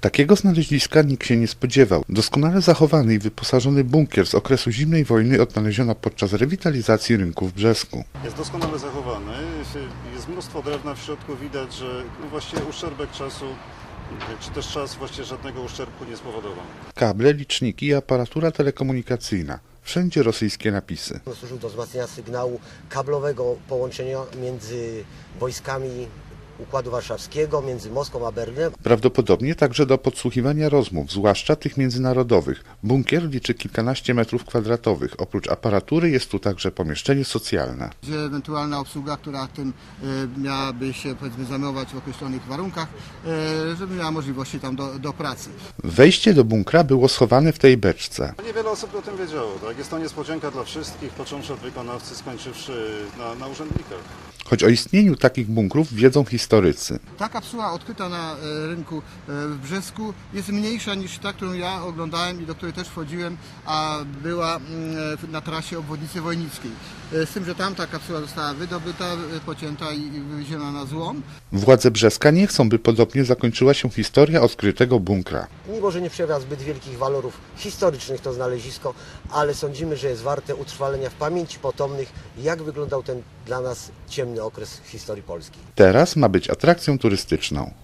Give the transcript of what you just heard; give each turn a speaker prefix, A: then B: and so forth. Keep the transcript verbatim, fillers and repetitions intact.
A: Takiego znaleziska nikt się nie spodziewał. Doskonale zachowany i wyposażony bunkier z okresu zimnej wojny odnaleziono podczas rewitalizacji rynku w Brzesku.
B: Jest doskonale zachowany, jest mnóstwo drewna w środku, widać, że no właściwie uszczerbek czasu, czy też czas właściwie żadnego uszczerbku nie spowodował.
A: Kable, liczniki i aparatura telekomunikacyjna. Wszędzie rosyjskie napisy.
C: Służył do wzmacniania sygnału kablowego połączenia między wojskami Układu Warszawskiego, między Moskwą a Berlinem.
A: Prawdopodobnie także do podsłuchiwania rozmów, zwłaszcza tych międzynarodowych. Bunkier liczy kilkanaście metrów kwadratowych. Oprócz aparatury jest tu także pomieszczenie socjalne.
D: Gdzie ewentualna obsługa, która tym e, miałaby się powiedzmy zajmować w określonych warunkach, e, żeby miała możliwości tam do, do pracy.
A: Wejście do bunkra było schowane w tej beczce.
B: Niewiele osób o tym wiedziało, tak? Jest to niespodzianka dla wszystkich, począwszy od wykonawcy, skończywszy na, na urzędnikach.
A: Choć o istnieniu takich bunkrów wiedzą historycy.
D: Ta kapsuła odkryta na e, rynku e, w Brzesku jest mniejsza niż ta, którą ja oglądałem i do której też wchodziłem, a była mm, na trasie obwodnicy Wojnickiej. E, z tym, że tam ta kapsuła została wydobyta, e, pocięta i, i wywieziona na złom.
A: Władze Brzeska nie chcą, by podobnie zakończyła się historia odkrytego bunkra.
C: Mimo że nie przejawia zbyt wielkich walorów historycznych to znalezisko, ale sądzimy, że jest warte utrwalenia w pamięci potomnych, jak wyglądał ten dla nas ciemny okres w historii Polski.
A: Teraz ma być atrakcją turystyczną.